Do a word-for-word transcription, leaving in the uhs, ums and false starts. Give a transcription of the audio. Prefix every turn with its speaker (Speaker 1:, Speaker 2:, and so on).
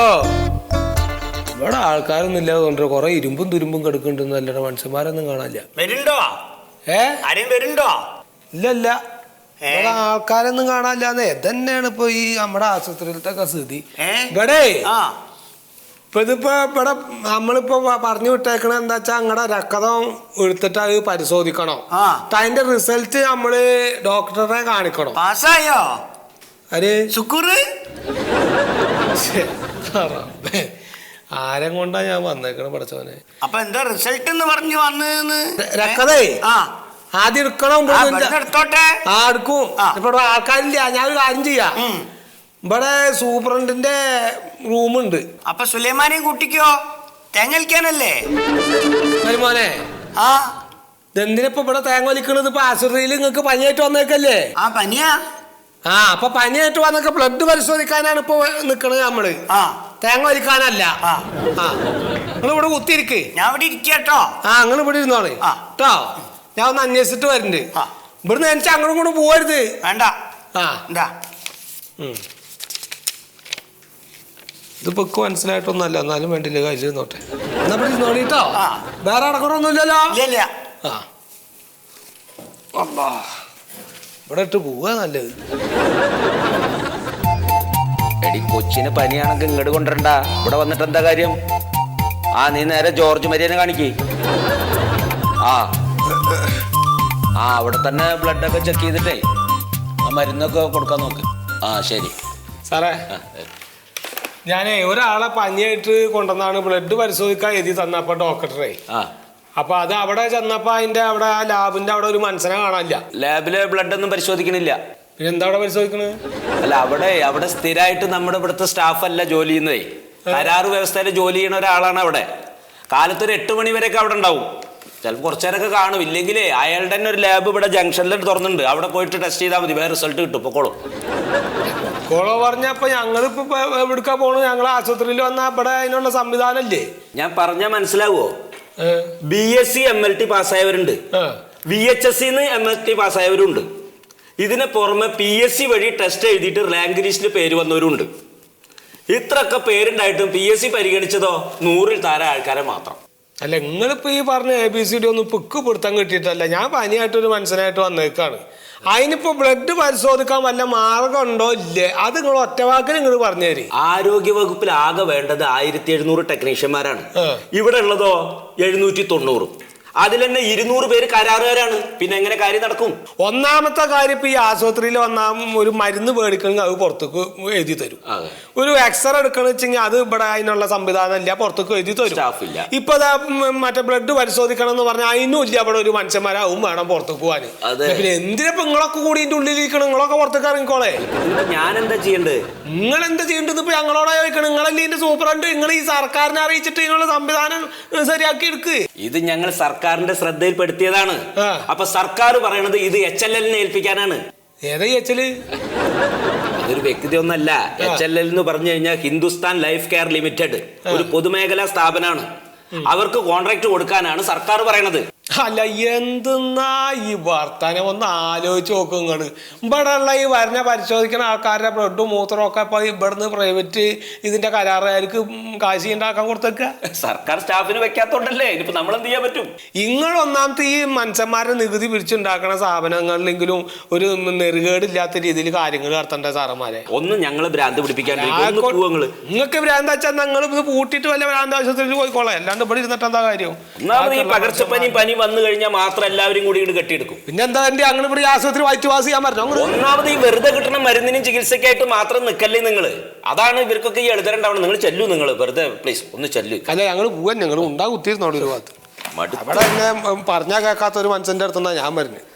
Speaker 1: ഇവിടെ ആൾക്കാരൊന്നും ഇല്ലാതെ കൊറേ ഇരുമ്പും തുരുമ്പും കിടക്കുന്നുണ്ടെന്ന് അല്ലട മനുഷ്യന്മാരൊന്നും കാണാനില്ല.
Speaker 2: വരുന്നുണ്ടോ? ഏ ആരെയും വരുന്നുണ്ടോ?
Speaker 1: ഇല്ല ഇല്ല, ഇവിടെ ആൾക്കാരൊന്നും കാണാനില്ലാന്നേ. തന്നെയാണ് ഇപ്പൊ ഈ നമ്മുടെ ആശുപത്രിയിലത്തെ സ്ഥിതി. ഇവിടെ ഇപ്പൊ ഇതിപ്പോ ഇവിടെ നമ്മളിപ്പോ പറഞ്ഞു വിട്ടേക്കണ എന്താ വെച്ചാ അങ്ങടെ രക്തം എടുത്തിട്ട് അത് പരിശോധിക്കണം. അതിന്റെ റിസൾട്ട് നമ്മള് ഡോക്ടറെ കാണിക്കണം.
Speaker 2: പാസ്സായോ?
Speaker 1: അരെ
Speaker 2: ശുക്കൂറ്
Speaker 1: ആരം കൊണ്ടാ ഞാൻ വന്നേക്കണ പഠിച്ചവനെ.
Speaker 2: അപ്പൊ എന്താ റിസൾട്ട് എന്ന് പറഞ്ഞു വന്ന്
Speaker 1: രക്തതേ ആദ്യം എടുക്കണം.
Speaker 2: എടുത്തോട്ടെ.
Speaker 1: ആ എടുക്കും. ഇപ്പൊ ആൾക്കാരില്ല, ഞാൻ ഒരു കാര്യം ചെയ്യാം. ഇവിടെ സൂപ്രണ്ടിന്റെ റൂമുണ്ട്.
Speaker 2: അപ്പൊ സുലൈമാനെയും കുട്ടിക്കോ? തേങ്ങ വലിക്കാനല്ലേ
Speaker 1: മോനെ? ആ ഇതെന്തിനിപ്പോ ഇവിടെ തേങ്ങ വലിക്കണത്? ഇപ്പൊ ആശുപത്രിയിൽ നിങ്ങക്ക് പനിയായിട്ട് വന്നേക്കല്ലേ?
Speaker 2: ആ പനിയാ.
Speaker 1: ആ അപ്പൊ പനിയായിട്ട് വന്നൊക്കെ ബ്ലഡ് പരിശോധിക്കാനാണ് ഇപ്പൊ നിക്കണത് നമ്മള്, തേങ്ങ വലിക്കാനല്ല. ആ നിങ്ങൾ ഇവിടെ കുത്തിയിരിക്ക്.
Speaker 2: ഞാൻ ഇവിടെ ഇരിക്കട്ടോ. ആ
Speaker 1: നിങ്ങൾ ഇവിടെ ഇരുന്നോളെ കേട്ടോ. ഞാൻ ഒന്ന് അന്വേഷിച്ചിട്ട് വരുന്നുണ്ട്. ഇവിടുന്ന് എനിക്ക് അങ്ങോട്ടും കൂടെ പോവരുത്.
Speaker 2: വേണ്ട. ആ എന്താ
Speaker 1: ഇതിപ്പോ മനസ്സിലായിട്ടൊന്നല്ല, എന്നാലും വേണ്ടില്ല കാര്യം നോട്ടെ. എന്നാ ഇവിടെ ഇരുന്നോളിട്ടോ. വേറെ അടക്കറൊന്നുമില്ലല്ലോ. ആ ഇവിടെ ഇട്ട് പോവാ നല്ലത്.
Speaker 3: എടി കൊച്ചിന് പനിയാണെങ്കിൽ ഇങ്ങോട്ട് കൊണ്ടുവരണ്ട, ഇവിടെ വന്നിട്ട് എന്താ കാര്യം? ആ നീ നേരെ ജോർജ് മരിയനെ കാണിക്കേ. ആ ആ അവിടെ തന്നെ ബ്ലഡൊക്കെ ചെക്ക് ചെയ്തിട്ടേ ആ മരുന്നൊക്കെ കൊടുക്കാൻ നോക്ക്. ആ ശരി
Speaker 1: സാറേ, ഞാനേ ഒരാളെ പനിയായിട്ട് കൊണ്ടുവന്നാണ് ബ്ലഡ് പരിശോധിക്കാൻ എഴുതി തന്നപ്പോ ഡോക്ടറെ.
Speaker 3: ആ
Speaker 1: അപ്പൊ അത് അവിടെ ചെന്നപ്പോ അതിന്റെ അവിടെ ആ ലാബിന്റെ അവിടെ ഒരു മനുഷ്യനെ കാണാനില്ല.
Speaker 3: ലാബില് ബ്ലഡ് ഒന്നും പരിശോധിക്കണില്ല.
Speaker 1: പിന്നെ എന്താ അവിടെ പരിശോധിക്കണത്?
Speaker 3: അല്ല അവിടെ അവിടെ സ്ഥിരമായിട്ട് നമ്മുടെ ഇവിടുത്തെ സ്റ്റാഫ് അല്ല ജോലി ചെയ്യുന്നതേ. കരാറ് വ്യവസ്ഥയിൽ ജോലി ചെയ്യുന്ന ഒരാളാണ് അവിടെ. കാലത്തൊരു എട്ട് മണി വരെയൊക്കെ അവിടെ ഉണ്ടാവും. ചിലപ്പോൾ കുറച്ചു നേരമൊക്കെ കാണും. ഇല്ലെങ്കിലേ അയാളുടെ തന്നെ ഒരു ലാബ് ഇവിടെ ജംഗ്ഷനിൽ തുറന്നുണ്ട്. അവിടെ പോയിട്ട് ടെസ്റ്റ് ചെയ്താൽ മതി, വേറെ റിസൾട്ട് കിട്ടും. പൊക്കോളും.
Speaker 1: കോളോ പറഞ്ഞപ്പോ ഞങ്ങളിപ്പോ എവിടുക്കാ പോണു? ഞങ്ങൾ ആശുപത്രിയിൽ വന്നാ ഇവിടെ അതിനുള്ള സംവിധാനം ഇല്ലേ?
Speaker 3: ഞാൻ പറഞ്ഞാൽ മനസ്സിലാവോ? B S C M L T പാസ്സായവരുണ്ട്, വി എച്ച് എസ് സിന്ന് എം എൽ ടി പാസ്സായവരുണ്ട്. ഇതിന് പുറമെ പി എസ് സി വഴി ടെസ്റ്റ് എഴുതിയിട്ട് റാങ്ക് ലിസ്റ്റിൽ പേര് വന്നവരുണ്ട്. ഇത്രയൊക്കെ പേരുണ്ടായിട്ടും പി എസ് സി പരിഗണിച്ചതോ നൂറിൽ താഴെ ആൾക്കാരെ മാത്രം.
Speaker 1: അല്ല നിങ്ങളിപ്പോ ഈ പറഞ്ഞ എ ബി സി ഡി ഒന്നും പിക്ക് പിടുത്തം കിട്ടിയിട്ടല്ല. ഞാൻ പനിയായിട്ടൊരു മനുഷ്യനായിട്ട് വന്നേക്കാണ്. അതിനിപ്പോ ബ്ലഡ് പരിശോധിക്കാൻ വല്ല മാർഗം ഉണ്ടോ ഇല്ലേ? അത് നിങ്ങൾ ഒറ്റവാക്കിൽ നിങ്ങൾ പറഞ്ഞു തരും.
Speaker 3: ആരോഗ്യ വകുപ്പിൽ ആകെ വേണ്ടത് ആയിരത്തി എഴുന്നൂറ് ടെക്നീഷ്യന്മാരാണ്. ഇവിടെ ഉള്ളതോ എഴുന്നൂറ്റി തൊണ്ണൂറ്. അതിൽ തന്നെ ഇരുന്നൂറ് പേര് കരാറുകാരാണ്. പിന്നെ എങ്ങനെ കാര്യം നടക്കും?
Speaker 1: ഒന്നാമത്തെ കാര്യം ഇപ്പൊ ഈ ആശുപത്രിയിൽ വന്നാ ഒരു മരുന്ന് മേടിക്കണമെങ്കിൽ അത് പുറത്തേക്ക് എഴുതി തരും. ഒരു എക്സ്റേ എടുക്കണ വെച്ചെങ്കിൽ അത് ഇവിടെ അതിനുള്ള സംവിധാനം ഇല്ല, പുറത്തേക്ക് എഴുതി തരും. ഇപ്പൊ മറ്റേ ബ്ലഡ് പരിശോധിക്കണം എന്ന് പറഞ്ഞാൽ അതിനും ഇല്ല ഇവിടെ ഒരു മനുഷ്യന്മാരാവും വേണം പുറത്തേക്ക് പോവാന്. പിന്നെ എന്തിനപ്പൊ നിങ്ങളൊക്കെ കൂടി ഇതിന്റെ ഉള്ളിലിരിക്കണം? നിങ്ങളൊക്കെ പുറത്തേക്ക് ഇറങ്ങിക്കോളെ.
Speaker 3: ഞാൻ എന്താ ചെയ്യണ്ടത്?
Speaker 1: നിങ്ങൾ എന്താ ചെയ്യേണ്ടത്? ഇപ്പൊ ഞങ്ങളോട് ചോദിക്കണം. നിങ്ങളല്ലേ ഇതിന്റെ സൂപ്രണ്ട്. നിങ്ങൾ ഈ സർക്കാരിനെ അറിയിച്ചിട്ട് ഇതിനുള്ള സംവിധാനം ശരിയാക്കി എടുക്ക്.
Speaker 3: ഇത് ഞങ്ങൾ സർക്കാരിന്റെ ശ്രദ്ധയിൽപ്പെടുത്തിയതാണ്. അപ്പൊ സർക്കാർ പറയണത് ഇത് എച്ച് എൽ എല്ലിനെ ഏൽപ്പിക്കാനാണ്.
Speaker 1: ഏതാ എച്ച് എൽ?
Speaker 3: അതൊരു വ്യക്തി ഒന്നല്ല. എച്ച് എൽ എൽ എന്ന് പറഞ്ഞു കഴിഞ്ഞാൽ ഹിന്ദുസ്ഥാൻ ലൈഫ് കെയർ ലിമിറ്റഡ്, ഒരു പൊതുമേഖലാ സ്ഥാപനമാണ്. അവർക്ക് കോൺട്രാക്ട് കൊടുക്കാനാണ് സർക്കാർ പറയണത്.
Speaker 1: അല്ല എന്തെന്നാ ഈ വർത്താനം? ഒന്ന് ആലോചിച്ച് നോക്കും നിങ്ങള്. ഇവിടെ ഉള്ള ഈ വരണ പരിശോധിക്കുന്ന ആൾക്കാരുടെ ബ്ലഡും മൂത്രവും ഒക്കെ ഇപ്പൊ ഇവിടുന്ന് പ്രൈവറ്റ് ഇതിന്റെ കരാറുകാർക്ക് കാശി ഉണ്ടാക്കാൻ കൊടുത്തേക്ക.
Speaker 3: സർക്കാർ സ്റ്റാഫിന് വെക്കാത്തോണ്ടല്ലേ. ഇനിയിപ്പോ നമ്മൾ എന്ത് ചെയ്യാൻ പറ്റും?
Speaker 1: നിങ്ങൾ ഒന്നാമത്തെ ഈ മനുഷ്യന്മാരെ നികുതി പിരിച്ചുണ്ടാക്കുന്ന സ്ഥാപനങ്ങളിലെങ്കിലും ഒരു നെറുകേടില്ലാത്ത രീതിയിൽ കാര്യങ്ങൾ നടത്തണ്ടേ സാറന്മാരെ?
Speaker 3: ഒന്നും ഞങ്ങള് ഭ്രാന്ത് പിടിപ്പിക്കാണ്ട്.
Speaker 1: നിങ്ങൾക്ക് ഭ്രാന്ത് വെച്ചാൽ നിങ്ങൾ ഇത് പൂട്ടിയിട്ട് വല്ല ഭ്രാന്ത് ആശുപത്രിയിൽ പോയിക്കോളാം. അല്ലാണ്ട് ഇവിടെ ഇരുന്നിട്ട് എന്താ കാര്യം?
Speaker 3: ഒന്നാമത് ഈ പകർച്ചപ്പനി പനി വന്നു കഴിഞ്ഞാൽ മാത്രം എല്ലാവരും കൂടി ഇങ്ങോട്ട് കെട്ടിയെടുക്കും.
Speaker 1: പിന്നെ എന്താ എന്റെ അങ്ങനെ ഇവിടെ ആശുപത്രി വായിച്ചു വാസ് ചെയ്യാൻ പറഞ്ഞു?
Speaker 3: ഒന്നാമത് ഈ വെറുതെ കിട്ടുന്ന മരുന്നിനും ചികിത്സക്കായിട്ട് മാത്രം നിൽക്കല്ലേ നിങ്ങള്. അതാണ് ഇവർക്കൊക്കെ ഈ എഴുതരണ്ടാവണം. നിങ്ങൾ ചെല്ലു, നിങ്ങൾ വെറുതെ പ്ലീസ് ഒന്ന് ചെല്ലു.
Speaker 1: അല്ല ഞങ്ങൾ പോവാൻ ഞങ്ങൾ ഉണ്ടാകും കുത്തിയിരുന്നോളൂ ഒരു ഭാഗത്ത്. അവിടെ എന്നെ പറഞ്ഞാൽ കേൾക്കാത്ത ഒരു മനുഷ്യന്റെ അടുത്തുനിന്നാ ഞാൻ വരുന്നത്.